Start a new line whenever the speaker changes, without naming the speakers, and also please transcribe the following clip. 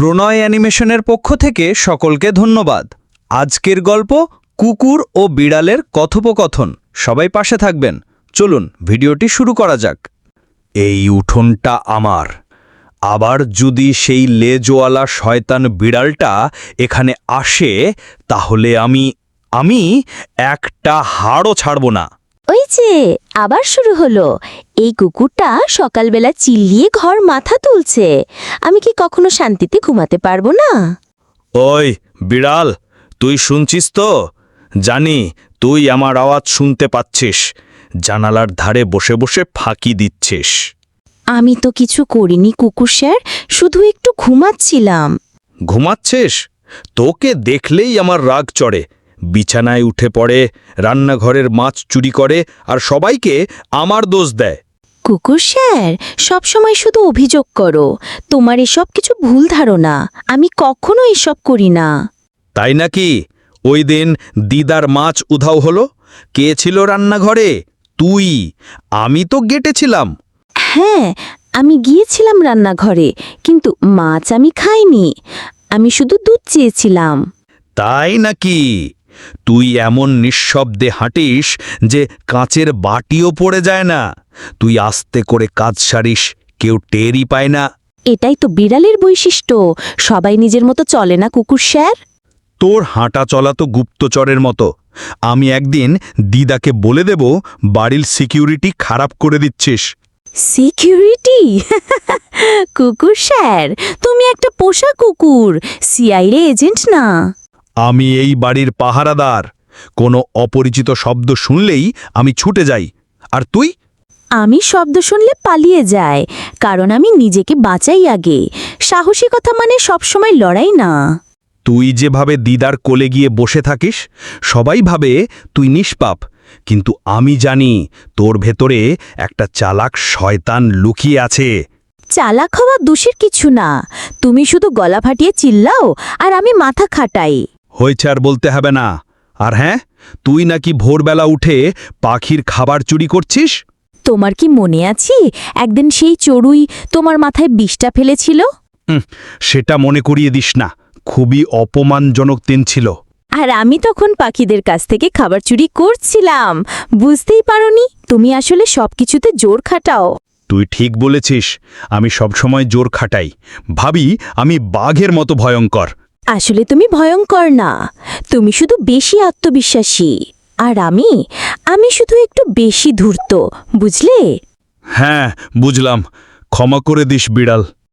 প্রণয় অ্যানিমেশনের পক্ষ থেকে সকলকে ধন্যবাদ। আজকের গল্প কুকুর ও বিড়ালের কথোপকথন। সবাই পাশে থাকবেন। চলুন ভিডিওটি শুরু করা যাক। এই উঠোনটা আমার। আবার যদি সেই লেজওয়ালা শয়তান বিড়ালটা এখানে আসে তাহলে আমি একটা হাড়ও ছাড়ব না।
ওই যে আবার শুরু হলো। এই কুকুরটা সকালবেলা চিল্লিয়ে ঘর মাথা তুলছে। আমি কি কখনো শান্তিতে ঘুমাতে পারবো না?
ওই বিড়াল, তুই শুনছিস তো? জানি তুই আমার আওয়াজ শুনতে পাচ্ছিস। জানালার ধারে বসে বসে ফাঁকি দিচ্ছিস।
আমি তো কিছু করিনি কুকুর স্যার, শুধু একটু ঘুমাচ্ছিলাম।
ঘুমাচ্ছিস? তোকে দেখলেই আমার রাগ চড়ে। বিছানায় উঠে পড়ে, রান্নাঘরের মাছ চুরি করে আর সবাইকে আমার দোষ দেয়।
কুকুর স্যার, সবসময় শুধু অভিযোগ করো। তোমার এসব কিছু ভুল ধারণা। আমি কখনো এসব করি না।
তাই নাকি? ওই দিন দিদার মাছ উধাও হলো, কে ছিল রান্নাঘরে? তুই। আমি তো গেটেছিলাম।
হ্যাঁ, আমি গিয়েছিলাম রান্নাঘরে, কিন্তু মাছ আমি খাইনি। আমি শুধু দুধ চেয়েছিলাম।
তাই নাকি? তুই এমন নিঃশব্দে হাঁটিস যে কাঁচের বাটিও পড়ে যায় না। তুই আস্তে করে কাজ সারিস, কেউ টেরই পায় না।
এটাই তো বিড়ালের বৈশিষ্ট্য। সবাই নিজের মতো চলে না কুকুর স্যার।
তোর হাঁটা চলা তো গুপ্তচরের মতো। আমি একদিন দিদাকে বলে দেব বাড়ির সিকিউরিটি খারাপ করে দিচ্ছিস।
সিকিউরিটি? কুকুর স্যার, তুমি একটা পোষা কুকুর, সিআইএ এজেন্ট না।
আমি এই বাড়ির পাহারাদার। কোনো অপরিচিত শব্দ শুনলেই আমি ছুটে যাই। আর তুই?
আমি শব্দ শুনলে পালিয়ে যাই, কারণ আমি নিজেকে বাঁচাই আগে। সাহসিকতা মানে সবসময় লড়াই না।
তুই যেভাবে দিদার কোলে গিয়ে বসে থাকিস, সবাই ভাবে তুই নিষ্পাপ। কিন্তু আমি জানি তোর ভেতরে একটা চালাক শয়তান লুকিয়ে আছে।
চালাক হওয়া দোষের কিছু না। তুমি শুধু গলা ফাটিয়ে চিল্লাও আর আমি মাথা খাটাই।
হয়েছে, আর বলতে হবে না। আর হ্যাঁ, তুই নাকি ভোরবেলা উঠে পাখির খাবার চুরি করছিস।
তোমার কি মনে আছে একদিন সেই চড়ুই তোমার মাথায় বিষটা ফেলেছিল?
সেটা মনে করিয়ে দিস না। খুবই অপমানজনক দিন ছিল।
আর আমি তখন পাখিদের কাছ থেকে খাবার চুরি করছিলাম। বুঝতেই পারোনি? তুমি আসলে সবকিছুতে জোর খাটাও।
তুই ঠিক বলেছিস। আমি সবসময় জোর খাটাই, ভাবি আমি বাঘের মতো ভয়ঙ্কর।
আসলে তুমি ভয়ঙ্কর না, তুমি শুধু বেশি আত্মবিশ্বাসী। আর আমি শুধু একটু বেশি ধূর্ত, বুঝলে?
হ্যাঁ, বুঝলাম। ক্ষমা করে দিস বিড়াল।